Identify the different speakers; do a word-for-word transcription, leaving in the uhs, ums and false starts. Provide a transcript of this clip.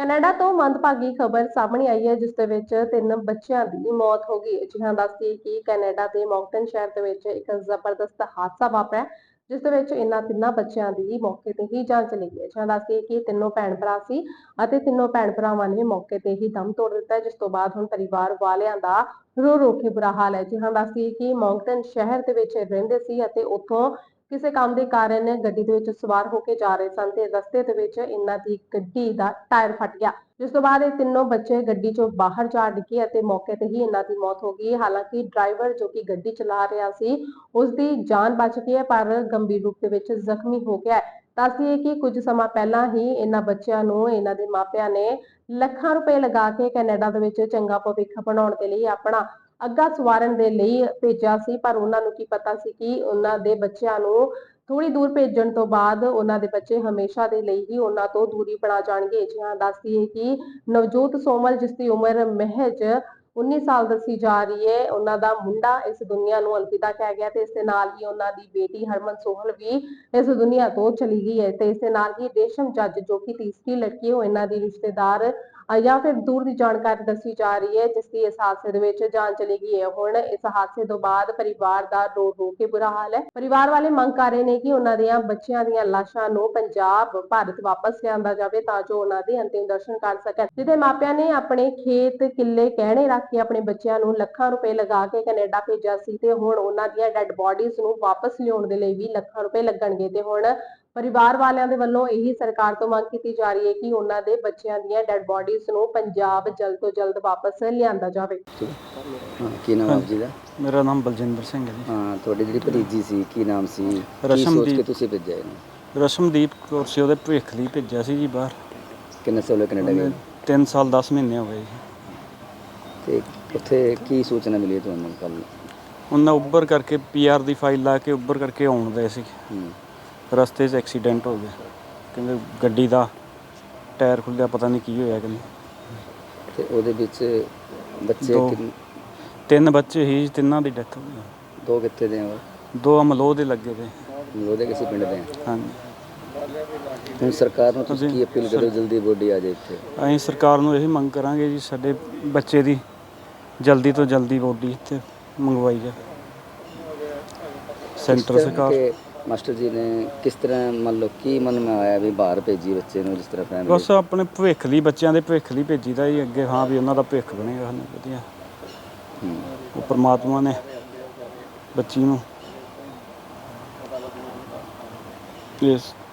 Speaker 1: Canada ਤੋਂ ਮੰਦਭਾਗੀ ਖਬਰ ਸਾਹਮਣੇ ਆਈ ਹੈ, ਜਿਸ ਦੇ ਵਿੱਚ ਤਿੰਨ ਬੱਚਿਆਂ ਦੀ ਮੌਤ ਹੋ ਗਈ ਹੈ। ਜੀ ਹਾਂ, ਦੱਸਦੀ ਕਿ ਕੈਨੇਡਾ ਦੇ ਮੌਂਕਟਨ ਸ਼ਹਿਰ ਦੇ ਵਿੱਚ ਇੱਕ ਜ਼ਬਰਦਸਤ ਹਾਦਸਾ ਵਾਪਰਿਆ, ਜਿਸ ਦੇ ਵਿੱਚ ਇਹਨਾਂ ਤਿੰਨਾਂ ਬੱਚਿਆਂ ਦੀ ਮੌਕੇ ਤੇ ਹੀ ਜਾਨ ਚਲੀ ਗਈ ਹੈ। ਜੀ ਹਾਂ, ਦੱਸਦੀ ਕਿ ਤਿੰਨੋਂ ਭੈਣ ਭਰਾ ਸੀ ਅਤੇ ਤਿੰਨੋਂ ਭੈਣ ਭਰਾਵਾਂ ਨੇ ਮੌਕੇ ਤੇ ਹੀ ਦਮ ਤੋੜ ਦਿੱਤਾ, ਜਿਸ ਤੋਂ ਬਾਅਦ ਹੁਣ ਪਰਿਵਾਰ ਵਾਲਿਆਂ ਦਾ ਰੋ ਰੋ ਕੇ ਬੁਰਾ ਹਾਲ ਹੈ। ਜੀ ਹਾਂ, ਦੱਸਦੀ ਕਿ ਮੌਂਕਟਨ ਸ਼ਹਿਰ ਦੇ ਵਿੱਚ ਰਹਿੰਦੇ ਸੀ ਅਤੇ ਉੱਥੋਂ ਕਿਸੇ ਕੰਮ ਦੇ ਕਾਰਨ ਗੱਡੀ ਦੇ ਵਿੱਚ ਸਵਾਰ ਹੋ ਕੇ ਜਾ ਰਹੇ ਸਨ ਤੇ ਰਸਤੇ ਦੇ ਵਿੱਚ ਇਹਨਾਂ ਦੀ ਗੱਡੀ ਦਾ ਟਾਇਰ ਫਟ ਗਿਆ, ਜਿਸ ਤੋਂ ਬਾਅਦ ਇਹ ਤਿੰਨੋਂ ਬੱਚੇ ਗੱਡੀ ਚੋਂ ਬਾਹਰ ਜਾ ਡਿੱਗੇ ਅਤੇ ਮੌਕੇ ਤੇ ਹੀ ਇਹਨਾਂ ਦੀ ਮੌਤ ਹੋ ਗਈ। ਹਾਲਾਂਕਿ ਡਰਾਈਵਰ ਜੋ ਕਿ ਗੱਡੀ ਚਲਾ ਰਿਹਾ ਸੀ, ਉਸ ਦੀ ਜਾਨ ਬਚ ਗਈ ਹੈ, ਪਰ ਗੰਭੀਰ ਰੂਪ ਦੇ ਵਿੱਚ ਜ਼ਖਮੀ ਹੋ ਗਿਆ ਹੈ। ਦੱਸਦੀਏ ਕਿ ਕੁਝ ਸਮਾਂ ਪਹਿਲਾਂ ਹੀ ਇਹਨਾਂ ਬੱਚਿਆਂ ਨੂੰ ਇਹਨਾਂ ਦੇ ਮਾਪਿਆਂ ਨੇ ਲੱਖਾਂ ਰੁਪਏ ਲਗਾ ਕੇ ਕੈਨੇਡਾ ਦੇ ਵਿੱਚ ਚੰਗਾ ਭਵਿੱਖ ਬਣਾਉਣ ਦੇ ਲਈ ਆਪਣਾ ਅੱਗਾ ਸਵਾਰਨ ਦੇ ਲਈ ਭੇਜਿਆ ਸੀ, ਪਰ ਉਹਨਾਂ ਨੂੰ ਕੀ ਪਤਾ ਸੀ ਕਿ ਉਹਨਾਂ ਦੇ ਬੱਚਿਆਂ ਨੂੰ ਥੋੜੀ ਦੂਰ ਭੇਜਣ ਤੋਂ ਬਾਅਦ ਉਹਨਾਂ ਦੇ ਬੱਚੇ ਹਮੇਸ਼ਾ ਦੇ ਲਈ ਹੀ ਉਹਨਾਂ ਤੋਂ ਦੂਰੀ ਬਣਾ ਜਾਣਗੇ। ਜੀ ਹਾਂ, ਦੱਸਦੀ ਹੈ ਕਿ ਨਵਜੋਤ ਸੋਮਲ, ਜਿਸ ਦੀ ਉਮਰ ਮਹਿਜ ਉੱਨੀ ਸਾਲ ਦੱਸੀ ਜਾ ਰਹੀ ਹੈ, ਉਹਨਾਂ ਦਾ ਮੁੰਡਾ ਇਸ ਦੁਨੀਆ ਨੂੰ ਅਲਵਿਦਾ ਕਹਿ ਗਿਆ ਤੇ ਇਸ ਦੇ ਨਾਲ ਹੀ ਉਹਨਾਂ ਦੀ ਬੇਟੀ ਹਰਮਨ ਸੋਹਲ ਵੀ ਇਸ ਦੁਨੀਆ ਤੋਂ ਚਲੀ ਗਈ ਹੈ। ਤੇ ਇਸ ਦੇ ਨਾਲ ਹੀ ਰੇਸ਼ਮ ਜੱਜ, ਜੋ ਕਿ ਤੀਸਰੀ ਲੜਕੀ, ਉਹ ਇਹਨਾਂ ਦੀ ਰਿਸ਼ਤੇਦਾਰ ਜਾਂ ਫਿਰ ਦੂਰ ਦੀ ਜਾਣਕਾਰੀ ਦੱਸੀ ਜਾ ਰਹੀ ਹੈ, ਜਿਸ ਦੀ ਇਸ ਹਾਦਸੇ ਦੇ ਵਿੱਚ ਜਾਨ ਚਲੀ ਗਈ ਹੈ। ਹੁਣ ਇਸ ਹਾਦਸੇ ਤੋਂ ਬਾਅਦ ਪਰਿਵਾਰ ਦਾ ਰੋ ਰੋ ਕੇ ਬੁਰਾ ਹਾਲ ਹੈ। ਪਰਿਵਾਰ ਵਾਲੇ ਮੰਗ ਕਰ ਰਹੇ ਨੇ ਕਿ ਉਹਨਾਂ ਦੀਆਂ ਬੱਚਿਆਂ ਦੀਆਂ ਲਾਸ਼ਾਂ ਨੂੰ ਪੰਜਾਬ ਭਾਰਤ ਵਾਪਸ ਲਿਆਂਦਾ ਜਾਵੇ, ਤਾਂ ਜੋ ਉਹਨਾਂ ਦੇ ਅੰਤਿਮ ਦਰਸ਼ਨ ਕਰ ਸਕਣ। ਜਿਹਦੇ ਮਾਪਿਆਂ ਨੇ ਆਪਣੇ ਖੇਤ ਕਿੱਲੇ ਗਹਿਣੇ ਰੱਖ ਕੇ ਆਪਣੇ ਬੱਚਿਆਂ ਨੂੰ ਲੱਖਾਂ ਰੁਪਏ ਲਗਾ ਕੇ ਕੈਨੇਡਾ ਭੇਜਿਆ ਸੀ, ਤੇ ਹੁਣ ਉਹਨਾਂ ਦੀਆਂ ਡੈੱਡ ਬੋਡੀਜ਼ ਨੂੰ ਵਾਪਸ ਲਿਆਉਣ ਦੇ ਲਈ ਵੀ ਲੱਖਾਂ ਰੁਪਏ ਲੱਗਣਗੇ। ਤੇ ਹੁਣ ਪਰਿਵਾਰ ਵਾਲਿਆਂ ਦੇ ਵੱਲੋਂ ਇਹੀ ਸਰਕਾਰ ਤੋਂ ਮੰਗ ਕੀਤੀ ਜਾ ਰਹੀ ਹੈ ਕਿ ਉਹਨਾਂ ਦੇ ਬੱਚਿਆਂ ਦੀਆਂ ਡੈੱਡ ਬੋਡੀਜ਼ ਨੂੰ ਪੰਜਾਬ ਜਲਦ ਤੋਂ ਜਲਦ ਵਾਪਸ ਲਿਆਂਦਾ ਜਾਵੇ।
Speaker 2: ਹਾਂ, ਕੀ ਨਾਮ ਆਪ ਜੀ ਦਾ?
Speaker 3: ਮੇਰਾ ਨਾਮ ਬਲਜਿੰਦਰ ਸਿੰਘ ਹੈ ਜੀ।
Speaker 2: ਹਾਂ, ਤੁਹਾਡੀ ਜਿਹੜੀ ਭਤੀਜੀ ਸੀ, ਕੀ ਨਾਮ ਸੀ? ਕੀ
Speaker 3: ਰਸ਼ਮਦੀਪ।
Speaker 2: ਸੋਚ ਕੇ ਤੁਸੀਂ ਭੇਜਿਆ ਇਹਨੂੰ?
Speaker 3: ਰਸ਼ਮਦੀਪ ਕੌਰ ਸੀ, ਉਹਦੇ ਭਵਿੱਖ ਲਈ ਭੇਜਿਆ ਸੀ ਜੀ ਬਾਹਰ।
Speaker 2: ਕਿੰਨੇ ਸਾਲ ਹੋਏ ਕੈਨੇਡਾ ਗਏ?
Speaker 3: ਤਿੰਨ ਸਾਲ ਦਸ ਮਹੀਨੇ ਹੋ ਗਏ ਜੀ।
Speaker 2: ਤੇ ਉੱਥੇ ਕੀ ਸੂਚਨਾ ਮਿਲੀ ਤੁਹਾਨੂੰ ਕੱਲ੍ਹ?
Speaker 3: ਉਹਨਾਂ ਉੱਬਰ ਕਰਕੇ ਪੀ ਆਰ ਦੀ ਫਾਈਲ ਲਾ ਕੇ ਉੱਬਰ ਕਰਕੇ ਆਉਣ ਗਏ ਸੀ, ਰਸਤੇ 'ਚ ਐਕਸੀਡੈਂਟ ਹੋ ਗਿਆ। ਕਹਿੰਦੇ ਗੱਡੀ ਦਾ ਟਾਇਰ ਖੁੱਲ੍ਹਿਆ, ਪਤਾ ਨਹੀਂ ਕੀ ਹੋਇਆ ਕਹਿੰਦੇ।
Speaker 2: ਤੇ ਉਹਦੇ ਵਿੱਚ ਬੱਚੇ
Speaker 3: ਦੋ
Speaker 2: ਕਿੰਨ-
Speaker 3: ਤਿੰਨ ਬੱਚੇ ਸੀ, ਤਿੰਨਾਂ ਦੀ ਡੈਥ ਹੋ ਗਈ।
Speaker 2: ਦੋ ਕਿੱਥੇ ਦੇ ਆ?
Speaker 3: ਦੋ ਅਮਲੋਹ ਦੇ ਲੱਗੇ ਤੇ।
Speaker 2: ਉਹਦੇ ਕਿਸੇ ਪਿੰਡ ਦੇ ਆ?
Speaker 3: ਹਾਂਜੀ।
Speaker 2: ਹੁਣ ਸਰਕਾਰ ਨੂੰ ਤੁਸੀਂ
Speaker 3: ਅਸੀਂ
Speaker 2: ਕੀ ਅਪੀਲ ਕਰੋ, ਜਲਦੀ ਬੋਡੀ ਆ ਜਾਏ ਇੱਥੇ?
Speaker 3: ਅਸੀਂ ਸਰਕਾਰ ਨੂੰ ਇਹੀ ਮੰਗ ਕਰਾਂਗੇ ਜੀ, ਸਾਡੇ ਬੱਚੇ ਦੀ ਜਲਦੀ ਤੋਂ ਜਲਦੀ ਬੋਡੀ ਇੱਥੇ ਮੰਗਵਾਈ ਜਾਵੇ। ਸੈਂਟਰ ਸਰਕਾਰ
Speaker 2: ਕਿ ਮਾਸਟਰ ਜੀ ਨੇ ਕਿਸ ਤਰ੍ਹਾਂ ਮੰਨ ਲਓ ਕੀ ਮਨ ਮੈਂ ਆਇਆ ਵੀ ਬਾਹਰ ਭੇਜੀ ਬੱਚੇ ਨੂੰ, ਜਿਸ ਤਰ੍ਹਾਂ ਫੈਮਿਲੀ?
Speaker 3: ਬਸ ਆਪਣੇ ਭਵਿੱਖ ਲਈ, ਬੱਚਿਆਂ ਦੇ ਭਵਿੱਖ ਲਈ ਭੇਜੀਦਾ ਜੀ ਅੱਗੇ। ਹਾਂ ਵੀ ਉਹਨਾਂ ਦਾ ਭਵਿੱਖ ਬਣੇਗਾ ਸਾਨੂੰ ਵਧੀਆ। ਉਹ ਪਰਮਾਤਮਾ ਨੇ ਬੱਚੀ ਨੂੰ ਇਸ